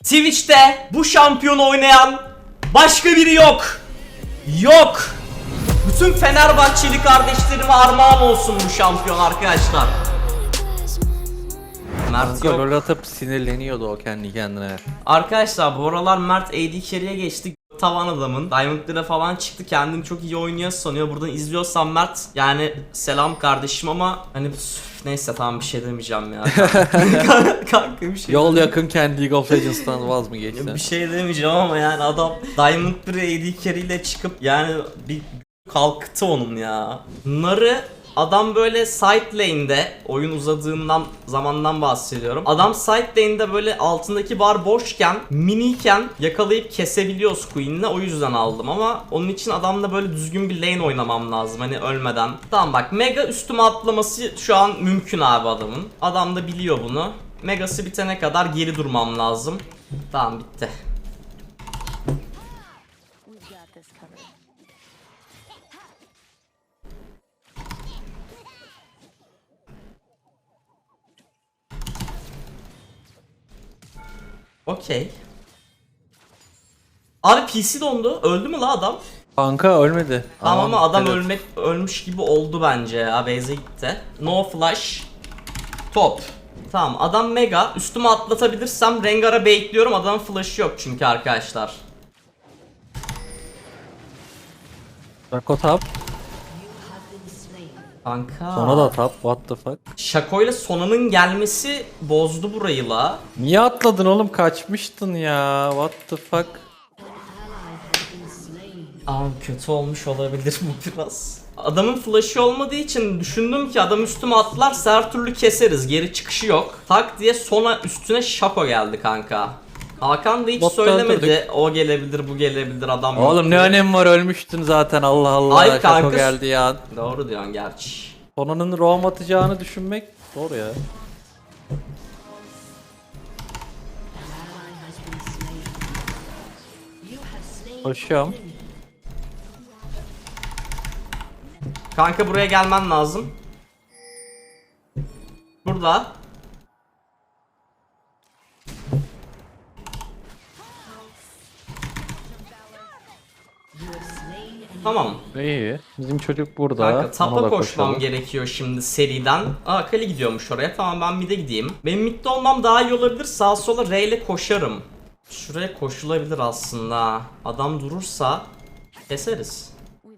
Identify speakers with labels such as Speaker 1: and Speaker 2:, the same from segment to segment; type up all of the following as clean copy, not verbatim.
Speaker 1: Twitch'te bu şampiyonu oynayan başka biri yok. Yok. Bütün Fenerbahçeli kardeşlerime armağan olsun bu şampiyon arkadaşlar. Mert yok.
Speaker 2: Gol atıp sinirleniyordu o kendi kendine.
Speaker 1: Arkadaşlar bu aralar Mert AD carry'e geçti. Tavan adamın. Diamond'lara falan çıktı. Kendini çok iyi oynuyor sanıyor. Buradan izliyorsan Mert, yani selam kardeşim ama hani neyse tamam bir şey demeyeceğim ya. Kanka bir şey
Speaker 2: Yol yakınken League of Legends'tan vaz mı geçti?
Speaker 1: Bir şey demeyeceğim ama yani adam Diamond 1 AD carry ile çıkıp yani bir kalktı onun ya. Nar'ı adam böyle side lane'de, oyun uzadığından zamandan bahsediyorum. Adam side lane'de böyle altındaki bar boşken, miniyken yakalayıp kesebiliyoruz Queen'le, o yüzden aldım ama onun için adamla böyle düzgün bir lane oynamam lazım hani ölmeden. Tamam bak, mega üstüme atlaması şu an mümkün abi adamın. Adam da biliyor bunu. Megası bitene kadar geri durmam lazım. Tamam bitti. Okey. Abi PC dondu. Öldü mü la adam?
Speaker 2: Kanka ölmedi.
Speaker 1: Tamam ama adam
Speaker 2: evet.
Speaker 1: ölmüş gibi oldu bence ya. Base'e gitti. No flash. Top. Tamam, adam mega. Üstüme atlatabilirsem Rengar'a baitliyorum. Adamın flash'ı yok çünkü arkadaşlar.
Speaker 2: Shaco top.
Speaker 1: Kanka.
Speaker 2: Sona da top. What the fuck?
Speaker 1: Shaco ile Sona'nın gelmesi bozdu burayı la.
Speaker 2: Niye atladın oğlum? Kaçmıştın ya. What the fuck?
Speaker 1: Abi kötü olmuş olabilir bu biraz. Adamın flash'ı olmadığı için düşündüm ki adam üstüme atlarsa her türlü keseriz. Geri çıkışı yok. Tak diye Sona üstüne Shaco geldi kanka. Hakan da hiç
Speaker 2: Botta
Speaker 1: söylemedi.
Speaker 2: öldürdük.
Speaker 1: O gelebilir, bu gelebilir, adam yok
Speaker 2: Oğlum ne
Speaker 1: diye.
Speaker 2: önemi var, ölmüştün zaten, Allah Allah.
Speaker 1: Ay
Speaker 2: Shaco
Speaker 1: kanka.
Speaker 2: geldi ya.
Speaker 1: Doğru diyorsun gerçi.
Speaker 2: Sonanın roam atacağını düşünmek zor ya. Koşuyorum.
Speaker 1: Kanka buraya gelmen lazım. Burada. Tamam.
Speaker 2: İyi. Bizim çocuk burada.
Speaker 1: Kanka
Speaker 2: Ona
Speaker 1: tapa
Speaker 2: da
Speaker 1: koşmam
Speaker 2: koşalım.
Speaker 1: gerekiyor şimdi seriden. Aa, Kali gidiyormuş oraya. Tamam, ben mid'e gideyim. Benim mid'de olmam daha iyi olabilir. Sağa sola R ile koşarım. Şuraya koşulabilir aslında. Adam durursa keseriz.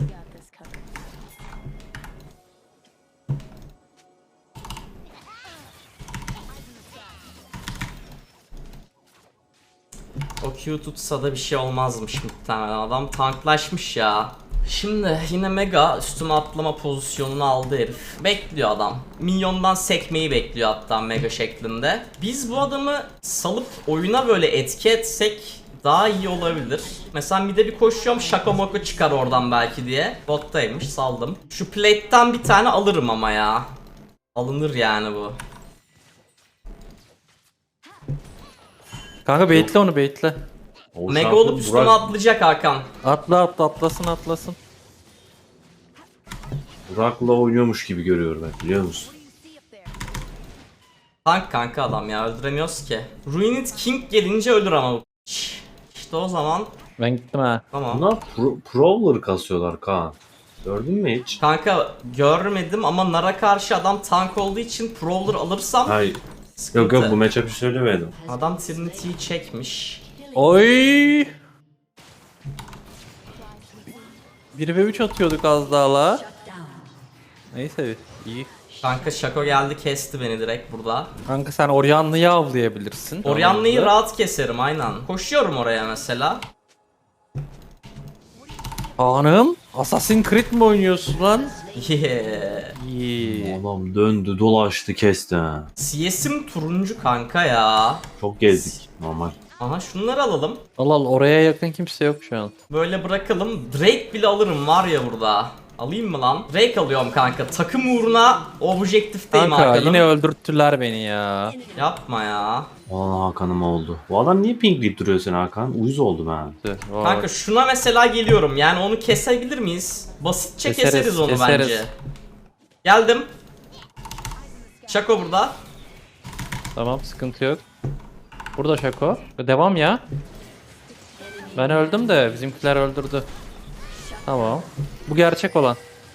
Speaker 1: O Q tutsa da bir şey olmazmış muhtemelen. Adam tanklaşmış ya. Şimdi yine mega üstüme atlama pozisyonunu aldı herif. Bekliyor adam. Minyondan sekmeyi bekliyor hatta mega şeklinde. Biz bu adamı salıp oyuna böyle etki etsek daha iyi olabilir. Mesela bir de bir koşuyorum, Shaco Moko çıkar oradan belki diye. Bottaymış, saldım. Şu plate'ten bir tane alırım ama ya. Alınır yani bu.
Speaker 2: Kanka baitle onu, baitle.
Speaker 3: O
Speaker 1: Mega
Speaker 3: şampiyon
Speaker 1: olup üstüme
Speaker 3: Burak,
Speaker 1: atlayacak Hakan.
Speaker 2: Atlasın.
Speaker 1: Burak'la
Speaker 3: oynuyormuş gibi görüyorum ben, biliyor musun?
Speaker 1: Tank kanka adam ya, öldüremiyoruz ki. Ruined King gelince ölür ama bu. İşte o zaman
Speaker 2: Ben gittim ha.
Speaker 1: tamam.
Speaker 3: Bunlar Prowler kasıyorlar Kaan. Gördün mü hiç?
Speaker 1: Kanka görmedim ama Nara karşı adam tank olduğu için Prowler alırsam
Speaker 3: Hayır.
Speaker 1: sıkıntı.
Speaker 3: Yok bu matchup'ı söylemedim.
Speaker 1: Adam Trinity'yi çekmiş.
Speaker 2: Oy! 1v3 atıyorduk az daha la. Neyse iyi.
Speaker 1: Kanka Shaco geldi, kesti beni direkt burada.
Speaker 2: Kanka sen Orianna'yı avlayabilirsin.
Speaker 1: Orianna'yı rahat keserim aynen. Koşuyorum oraya mesela.
Speaker 2: Hanım, Assassin's Creed mi oynuyorsun lan?
Speaker 1: Yeah.
Speaker 2: İyi.
Speaker 3: Adam döndü dolaştı kesti ha.
Speaker 1: CS'im turuncu kanka ya.
Speaker 3: Çok gezdik normal.
Speaker 1: Aha şunları alalım.
Speaker 2: Al oraya yakın kimse yok şu an.
Speaker 1: Böyle bırakalım. Drake bile alırım var ya burada. Alayım mı lan? Drake alıyorum kanka. Takım uğruna objektifteyim
Speaker 2: Kanka
Speaker 1: arkadan.
Speaker 2: yine öldürttüler beni ya.
Speaker 1: Yapma ya.
Speaker 3: Valla Hakan'ım oldu. Bu adam niye pingleyip duruyor sen Hakan? Uyuz oldum ha.
Speaker 2: Vay.
Speaker 1: Kanka şuna mesela geliyorum. Yani onu kesebilir miyiz? Basitçe keseriz onu bence. Geldim. Shaco burada.
Speaker 2: Tamam, sıkıntı yok. Burada Şako. Devam ya. Ben öldüm de bizimkiler öldürdü. Tamam. Bu gerçek olan.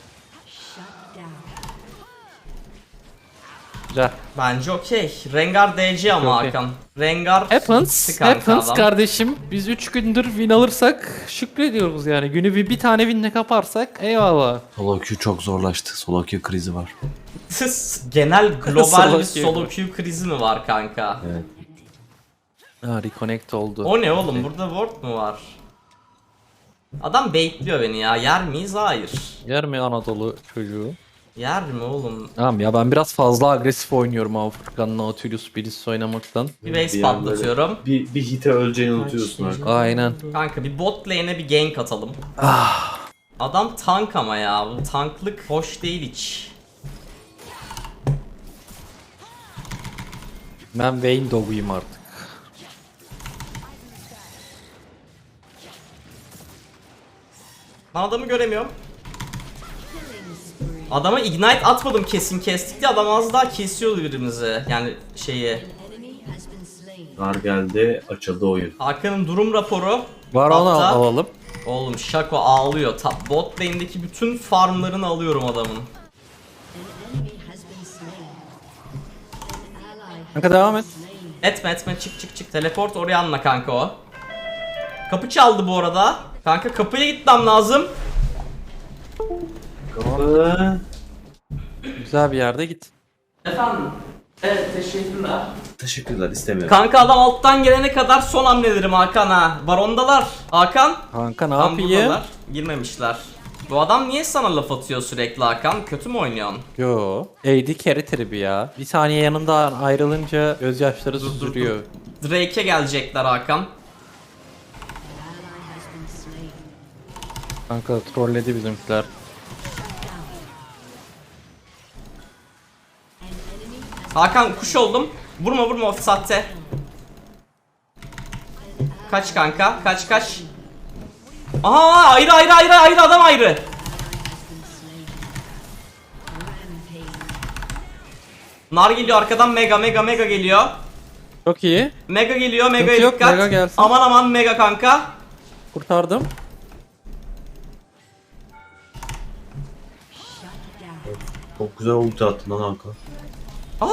Speaker 2: Güzel.
Speaker 1: Bence okey. Rengar DC ama
Speaker 2: Okey.
Speaker 1: Hakan. Rengar
Speaker 2: Happens.
Speaker 1: gitti kanka
Speaker 2: Happens
Speaker 1: adam.
Speaker 2: kardeşim. Biz 3 gündür win alırsak şükrediyoruz yani. Günü bir tane winle kaparsak eyvallah.
Speaker 3: Solo queue çok zorlaştı. Solo queue krizi var.
Speaker 1: Genel global
Speaker 2: Solo
Speaker 1: bir
Speaker 2: queue.
Speaker 1: solo queue krizi mi var kanka?
Speaker 3: Evet.
Speaker 2: Ha, reconnect oldu.
Speaker 1: O ne oğlum, burada ward mu var? Adam baitliyor beni ya. Yer miyiz? Hayır.
Speaker 2: Yer mi Anadolu çocuğu?
Speaker 1: Yer mi oğlum?
Speaker 2: Tamam ya, ben biraz fazla agresif oynuyorum ama Furkan'la Nautilus Bliss oynamaktan.
Speaker 1: Bir base
Speaker 3: Bir an böyle
Speaker 1: patlatıyorum.
Speaker 3: Bir hite öleceğini unutuyorsun artık.
Speaker 2: Aynen.
Speaker 1: Kanka bir bot lane'e bir gank atalım. Adam tank ama ya. Bu tanklık hoş değil hiç.
Speaker 2: Ben Vayne Dog'uyum artık.
Speaker 1: Ben adamı göremiyorum. Adama ignite atmadım, kesin kestik diye adam az daha kesiyordu birimizi. Yani şeyi.
Speaker 3: Nar geldi, açıldı oyun.
Speaker 1: Hakan'ın durum raporu.
Speaker 2: Var onu
Speaker 1: Hatta-
Speaker 2: alalım.
Speaker 1: Oğlum Shaco ağlıyor. Bot lane'deki bütün farmlarını alıyorum adamın.
Speaker 2: Kanka devam et.
Speaker 1: Etme çık. Teleport oraya anla kanka o. Kapı çaldı bu arada. Kanka kapıya gitmem lazım.
Speaker 3: Kapı.
Speaker 2: Güzel bir yerde git.
Speaker 1: Efendim. Evet, teşekkürler.
Speaker 3: Teşekkürler, istemiyorum.
Speaker 1: Kanka adam alttan gelene kadar son hamlelerim Hakan ha. Barondalar. Hakan.
Speaker 2: Kanka ne
Speaker 1: Tam
Speaker 2: yapayım?
Speaker 1: buradalar. Girmemişler. Bu adam niye sana laf atıyor sürekli Hakan? Kötü mü oynuyorsun?
Speaker 2: Yo. AD carry tribi ya. Bir saniye yanından ayrılınca gözyaşları süzülüyor.
Speaker 1: Drake'e gelecekler Hakan.
Speaker 2: Kanka trolledi bizimkiler.
Speaker 1: Hakan kuş oldum. Vurma sahte. Kaç kanka, kaç. Aha, ayrı adam ayrı. Nar geliyor arkadan, mega geliyor.
Speaker 2: Çok iyi.
Speaker 1: Mega geliyor, mega'ya
Speaker 2: Sıkıntı yok,
Speaker 1: dikkat.
Speaker 2: mega gelsin.
Speaker 1: Aman mega kanka.
Speaker 2: Kurtardım.
Speaker 3: Çok güzel ulti attın lan Hakan.
Speaker 1: Aa!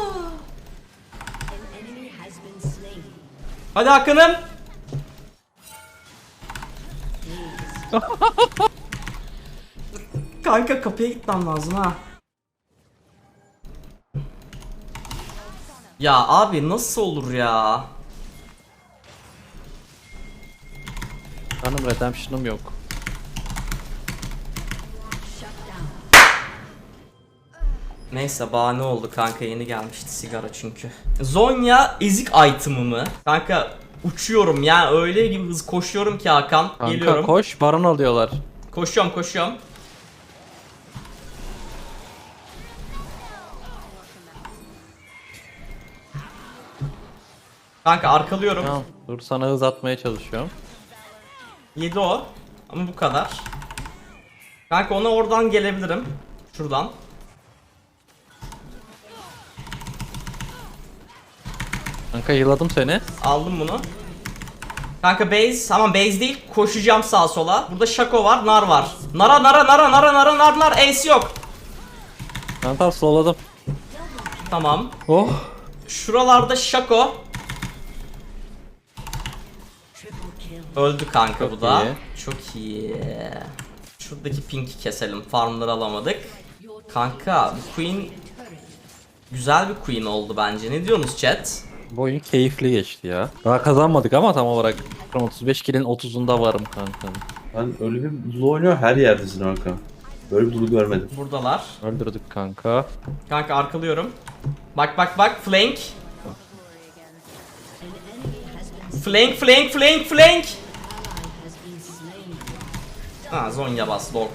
Speaker 1: Hadi Hakan'ım. Kanka kapıya gitmem lazım ha. Ya abi nasıl olur ya?
Speaker 2: Benim redemption'ım yok.
Speaker 1: Neyse bahane oldu kanka, yeni gelmişti sigara çünkü. Zonya ezik item'ı mı? Kanka uçuyorum yani, öyle gibi hız koşuyorum ki Hakan.
Speaker 2: Kanka
Speaker 1: Geliyorum.
Speaker 2: koş, baron alıyorlar.
Speaker 1: Koşuyorum. Kanka arkalıyorum.
Speaker 2: Tamam, dur sana hız atmaya çalışıyorum.
Speaker 1: Yedi o. Ama bu kadar. Kanka ona oradan gelebilirim. Şuradan.
Speaker 2: Kanka yıladım seni.
Speaker 1: Aldım bunu. Kanka base, ama base değil, koşacağım sağa sola. Burada Shaco var, nar var. Nar, ace yok.
Speaker 2: Kanka slowladım.
Speaker 1: Tamam.
Speaker 2: Oh.
Speaker 1: Şuralarda Shaco. Öldü kanka,
Speaker 2: Çok
Speaker 1: bu da.
Speaker 2: iyi.
Speaker 1: Çok iyi. Şuradaki pink'i keselim. Farmları alamadık. Kanka bu queen güzel bir queen oldu bence. Ne diyorsunuz chat?
Speaker 2: Bu oyun keyifli geçti ya. Daha kazanmadık ama tam olarak 35 kill'in 30'unda varım kanka.
Speaker 3: Ben öyle bir Lulu oynuyor, her yerdesin Hakan. Böyle bir Lulu görmedim.
Speaker 1: Buradalar.
Speaker 2: Öldürdük kanka.
Speaker 1: Kanka arkalıyorum. Bak flank. Flank. Ha, Zonya bas log.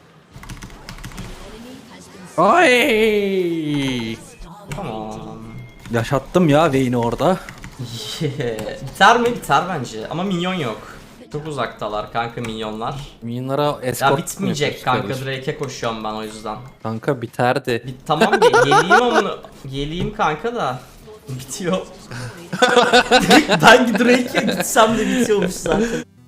Speaker 2: Ay!
Speaker 1: Tamam.
Speaker 2: Yaşattım ya Vayne'i orada.
Speaker 1: Biter mi? Biter bence. Ama minyon yok. Çok uzaktalar kanka minyonlar.
Speaker 2: Minyonlara escort
Speaker 1: Ya bitmeyecek
Speaker 2: yapıyoruz
Speaker 1: kanka,
Speaker 2: kardeşim.
Speaker 1: Drake'e koşuyorum ben o yüzden.
Speaker 2: Kanka biterdi.
Speaker 1: Tamam geleyim amına. Geleyim kanka da. Bitiyor. Ben Drake'e gitsem de bitiyormuş zaten.